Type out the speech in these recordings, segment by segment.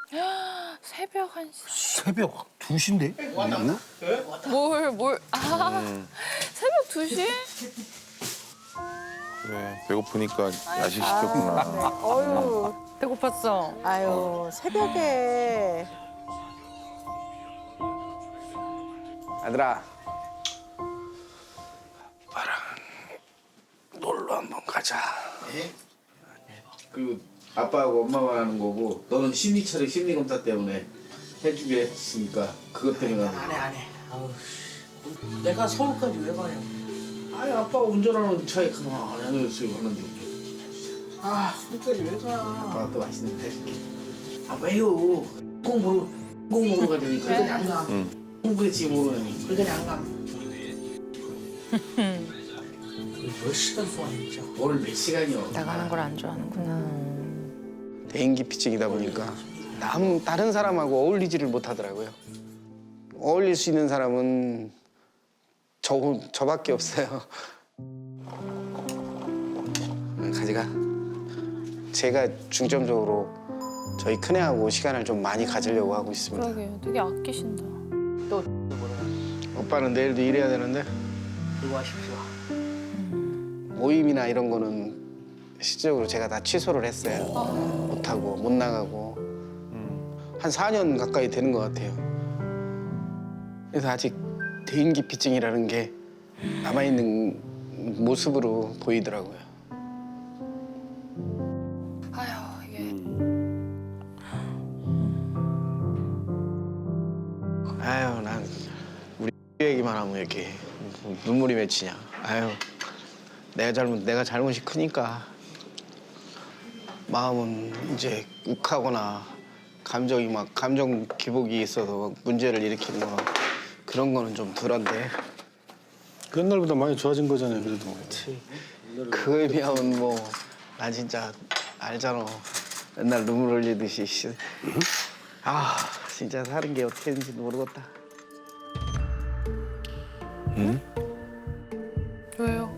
새벽 1시. 새벽 2시인데? 새벽 2시? 그래, 배고프니까 야식 시켰구나. 어휴, 배고팠어. 아유, 새벽에. 아들아. 아빠랑 놀러 한번 가자. 그 아빠하고 엄마만 하는 거고 너는 심리처리 심리검사 때문에 해주게 했으니까 그것 때문에 가는 거야. 안 해. 아우, 내가 서울까지 왜 가냐? 아니 아빠가 운전하는 차에 가만히 쓰고 하는데 아, 서울까지 왜 가? 아빠가 또 맛있는 거 해줄게. 아 왜요? 꼭 먹으러 가자니 그러니 안 가. 공부에 지금 모르니 그러니 안 가. 몇 시간 동안 진짜. 오늘 몇 시간이요? 나가는 걸 안 좋아하는구나. 대인기피증이다 보니까 다른 사람하고 어울리지를 못하더라고요. 어울릴 수 있는 사람은 저밖에 없어요. 가지가. 제가 중점적으로 저희 큰애하고 시간을 좀 많이 가지려고 하고 있습니다. 그러게요. 되게 아끼신다. 오빠는 내일도 일해야 되는데 이거 하십시오. 모임이나 이런 거는 실질적으로 제가 다 취소를 했어요. 못하고 못 나가고 한 4년 가까이 되는 것 같아요. 그래서 아직 대인기피증이라는 게 남아있는 모습으로 보이더라고요. 아휴, 이게. 아유, 난 우리 얘기만 하면 이렇게 눈물이 맺히냐. 아유, 내가 잘못이 크니까 마음은 이제 욱하거나 감정 기복이 있어서 문제를 일으키는 거 그런 거는 좀 덜한데. 그 옛날보다 많이 좋아진 거잖아요, 그래도. 그거에 비하면 뭐 난 진짜 알잖아. 맨날 눈물 흘리듯이. 아, 진짜 사는 게 어떻게 되는지도 모르겠다. 왜요?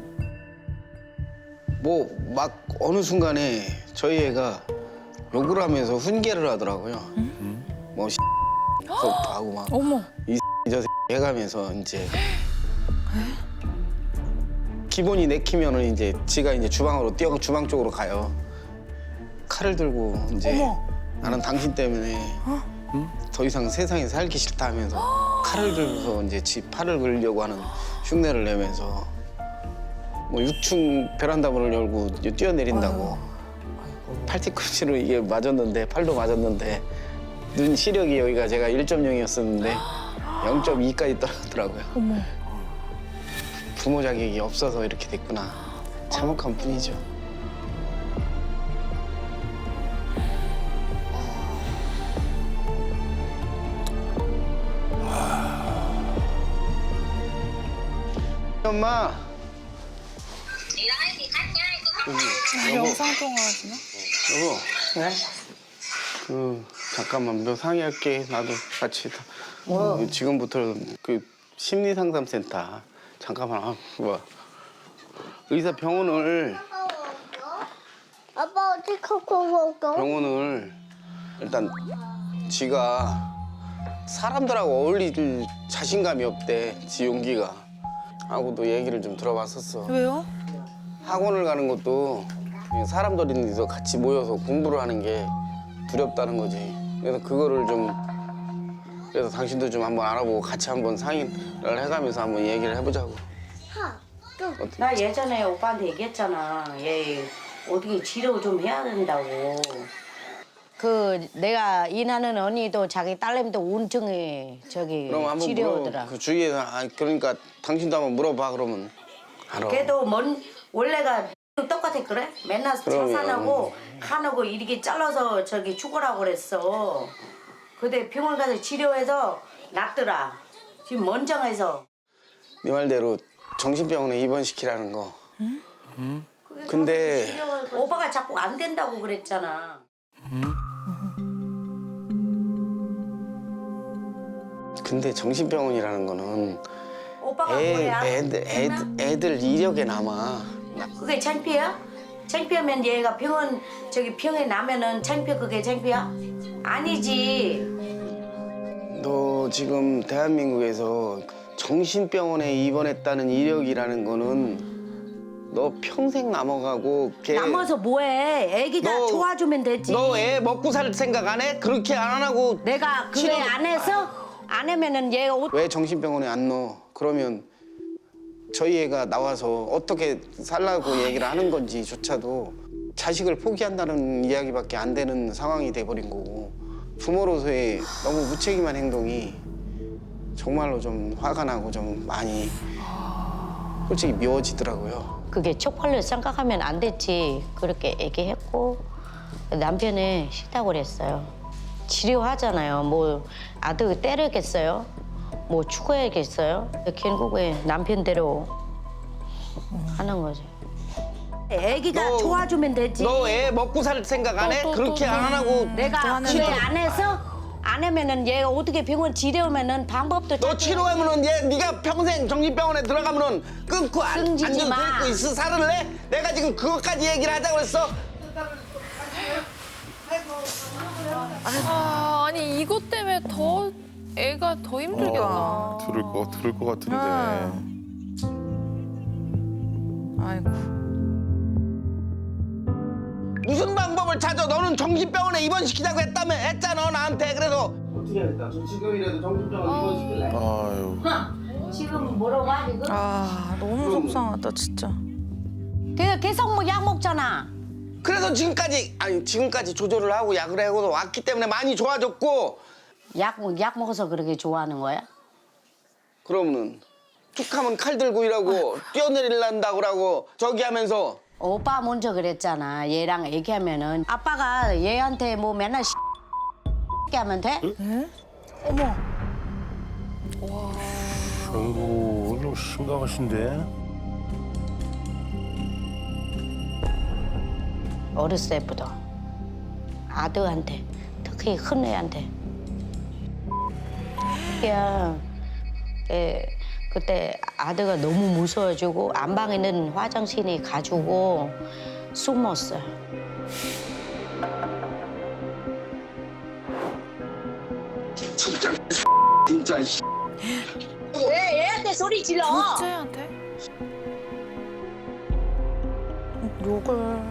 뭐 막 어느 순간에 저희 애가 욕을 하면서 훈계를 하더라고요. 뭐 부터 하고 막 어머. 저 해가면서 이제 기본이 내키면은 이제 지가 이제 뛰어 주방 쪽으로 가요. 칼을 들고 이제 나는 당신 때문에 더 이상 세상에 살기 싫다 하면서 칼을 들고서 이제 지 팔을 그리려고 하는 흉내를 내면서 뭐 6층 베란다 문을 열고 이제 뛰어내린다고. 팔뒤꿈치로 이게 맞았는데 팔도 맞았는데 눈 시력이 여기가 제가 1.0이었었는데 0.2까지 떨어졌더라고요. 어머. 부모 자격이 없어서 이렇게 됐구나. 참혹한 뿐이죠. 엄마. 영상 통화하시나? 여보. 네? 잠깐만 몇 상의할게. 나도 같이. 지금부터 그 심리상담센터. 잠깐만. 의사 병원을 아빠 어떻게 갖고 먹어? 병원을 일단 지가 사람들하고 어울릴 자신감이 없대. 지 용기가. 하고도 얘기를 좀 들어봤었어. 왜요? 학원을 가는 것도 사람들이서 같이 모여서 공부를 하는 게 두렵다는 거지. 그래서 그거를 그래서 당신도 좀 한번 알아보고 같이 한번 상의를 해가면서 한번 얘기를 해보자고. 나 예전에 오빠한테 얘기했잖아. 얘 어떻게 치료 좀 해야 된다고. 그 내가 일하는 언니도 자기 딸내미도 우울증에 그럼 한번 치료하더라. 그 주위에서 그러니까 당신도 한번 물어봐 그러면 알아. 걔도 원래가 똑같아 그래? 맨날 자산하고 간하고 이렇게 잘라서 죽으라고 그랬어. 근데 병원 가서 치료해서 낫더라. 지금 먼정에서. 네 말대로 정신병원에 입원시키라는 거. 근데 오빠가 자꾸 안 된다고 그랬잖아. 근데 정신병원이라는 거는 오빠가 뭐야? 애들 이력에 남아. 그게 창피해요? 창피하면 얘가 병에 나면은 그게 창피야? 아니지. 너 지금 대한민국에서 정신병원에 입원했다는 이력이라는 거는 너 평생 남아가고 남아서 뭐해? 애기가 너- 좋아주면 되지. 너 애 먹고 살 생각 안 해? 그렇게 안 하고 내가 그래 치료- 안 해서 안 하면은 얘가 왜 정신병원에 안 넣어? 그러면 저희 애가 나와서 어떻게 살라고 얘기를 하는 건지조차도 자식을 포기한다는 이야기밖에 안 되는 상황이 돼버린 거고 부모로서의 너무 무책임한 행동이 정말로 좀 화가 나고 좀 많이 솔직히 미워지더라고요. 그게 쪽팔려 생각하면 안 됐지. 그렇게 얘기했고 남편이 싫다고 그랬어요. 치료하잖아요. 뭐 아들 때리겠어요? 뭐 추구해야겠어요? 결국에 남편대로 하는 거지. 애기가 너- 좋아주면 되지. 너 애 먹고 살 생각 안 해? 그렇게 안 하고 내가 그래 안 해서 안 하면은 얘가 어떻게 병원 지려오면은 방법도 너 치료하면은 얘 네가 평생 정신병원에 들어가면은 끊고 승진이 앉아서 마. 데리고 있어 살을래? 내가 지금 그것까지 얘기를 하자고 했어. 아, 아니 이것 때문에 더 애가 더 힘들겠다. 들을 것 같은데. 아이고. 무슨 방법을 찾아? 너는 정신병원에 입원시키자고 했잖아 나한테. 그래서 어떻게 하겠다. 저 지금이라도 정신병원 입원시킬래? 아유. 지금 뭐라고 하지? 아, 너무 속상하다 진짜. 걔가 계속 뭐 약 먹잖아. 그래서 지금까지 조절을 하고 약을 하고 왔기 때문에 많이 좋아졌고. 약 먹어서 그렇게 좋아하는 거야? 그러면은 툭하면 칼 들고 일하고 뛰어내릴란다고 그러고 저기 하면서 오빠 먼저 그랬잖아. 얘랑 얘기하면은 아빠가 얘한테 뭐 맨날 하면 돼? 아이고 좀 심각하신데. 어렸을 때부터 아들한테 특히 큰 애한테 그때 아들가 너무 무서워지고 안방에 있는 화장실에 가지고 숨었어요. 진짜 왜 얘한테 소리 질러? 둘째한테? 욕을.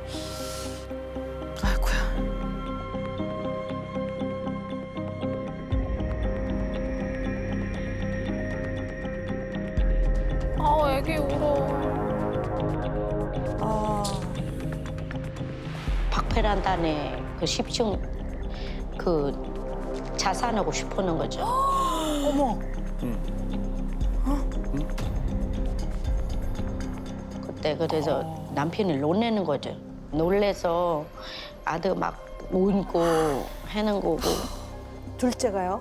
아이고야. 아, 애기 울어. 박페란단에 그 10층 그 자산하고 싶어하는 거죠. 그때 그래서 남편이 놀래는 거죠. 놀래서 아들 막 울고 하는 거고. 둘째가요?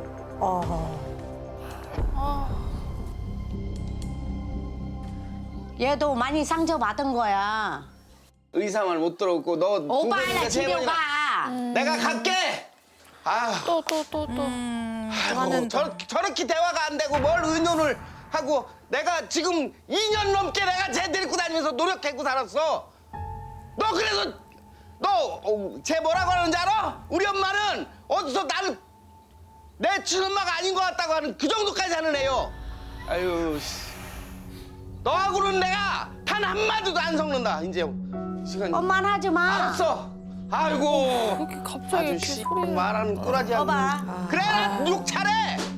얘도 많이 상처받은 거야. 의사 말 못 들었고 너 두 오빠 번인가 하나 세 집에 번이나 가. 내가 갈게. 아, 또. 아이고, 저렇게 대화가 안 되고 뭘 의논을 하고 내가 지금 2년 넘게 내가 쟤 데리고 다니면서 노력했고 살았어. 너 그래서 쟤 뭐라고 하는지 알아? 우리 엄마는 어디서 나를 내 친엄마가 아닌 것 같다고 하는 그 정도까지 하는 애요. 아유, 씨. 너하고는 내가 단 한마디도 안 섞는다. 이제 시간이. 엄마는 하지 마. 알았어. 아이고. 그렇게 갑자기 아주 이렇게 씨 소리를. 말하는 꼬라지하고. 봐봐. 그래 나 욕 잘해.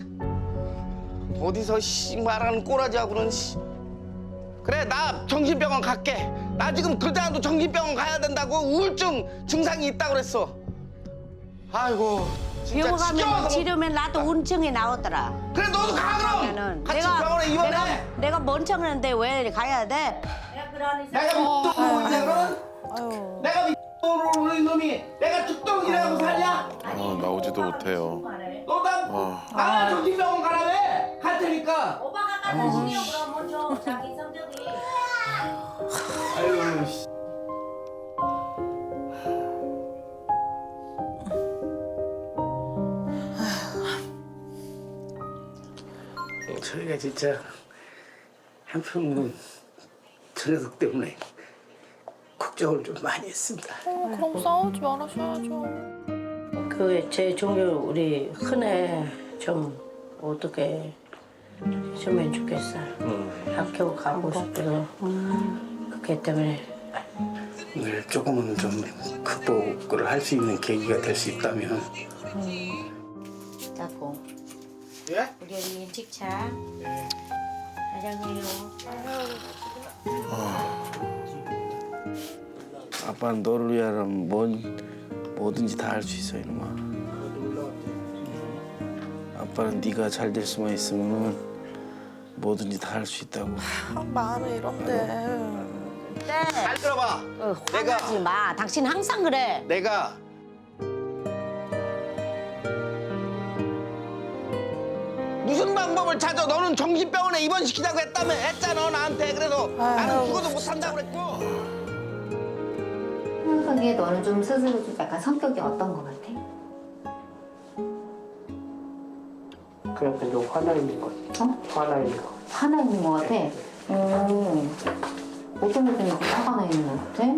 어디서 씨 말하는 꼬라지하고는 씨. 그래 나 정신병원 갈게. 나 지금 그러다가도 정신병원 가야 된다고 우울증 증상이 있다고 그랬어. 아이고 진짜 병원 가면 지겨워서. 지르면 나도 우울증이 나오더라. 그래 너도 가 그럼. 그러면은 같이 병원에 입원해. 내가 멍청한데 왜 가야 돼? 내가 미친놈인데 그럼? 내가 미친놈으로 놈이 내가 죽동이라고 살냐? 나오지도 못해요. 너나 나나 정신병원 가라며 갈 테니까. 오빠가 가서 신경 그럼 먼저 자기 성적이. 아유 씨. 저희가 진짜 한편으로는 저 녀석 때문에 걱정을 좀 많이 했습니다. 그럼 싸우지 말으셔야죠. 그 제 종교 우리 큰애 좀 어떻게 했으면 좋겠어요. 학교 가고 싶어서 그렇기 때문에 늘 조금은 좀 극복을 할 수 있는 계기가 될 수 있다면. 자꾸 예? 우리 언니 식차 사랑해요. 아빠는 너를 위하면 뭐든지 다 할 수 있어 이놈아. 아빠는 네가 잘 될 수만 있으면 뭐든지 다 할 수 있다고. 마음이 이런데. 잘 들어봐. 화나지 마. 당신 항상 그래. 내가 무슨 방법을 찾아? 너는 정신병원에 입원시키자고 했잖아 나한테. 그래서 나는 죽어도 못한다고 그랬고. 생각하기에 너는 좀 스스로 좀 약간 성격이 어떤 것 같아? 그냥 좀 화나 있는 것 같아. 어? 화나 있는 것 같아. 화나 있는 것 같아? 어떤 것 때문에 화가 나 있는 것 같아?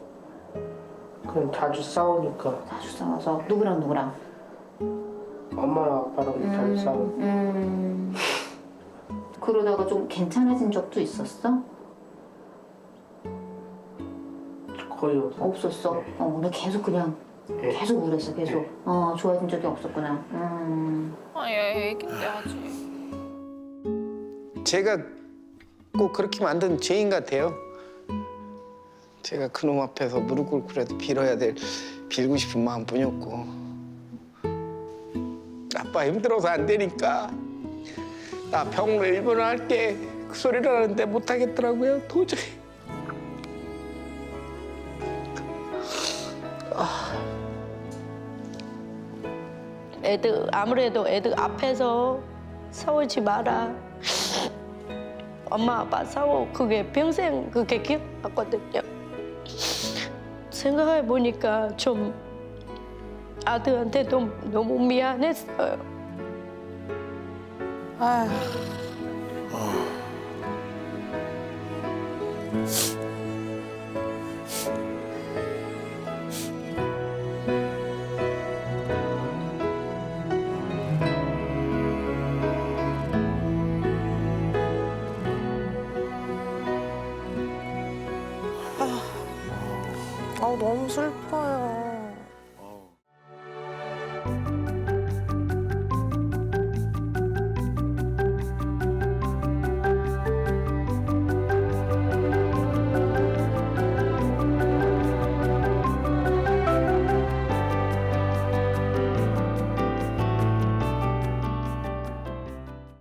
그냥 자주 싸우니까 자주 싸워서 누구랑? 엄마랑 아빠랑 자주 싸우고. 그러다가 좀 괜찮아진 적도 있었어? 거의 없어. 없었어? 네. 너 계속 그냥 네. 계속 우울했어 계속? 네. 좋아진 적이 없었구나. 얘 애긴데 아직. 제가 꼭 그렇게 만든 죄인 같아요. 제가 그놈 앞에서 무릎 꿇고라도 빌고 싶은 마음뿐이었고. 아빠 힘들어서 안 되니까 나 병으로 일본어 할게 그 소리를 하는데 못 하겠더라고요 도저히. 아무래도 애들 앞에서 싸우지 마라. 엄마 아빠 싸워 그게 평생 그게 기억났거든요. 생각해 보니까 좀 아들한테도 너무 미안했어요. 아휴. 너무 슬퍼요.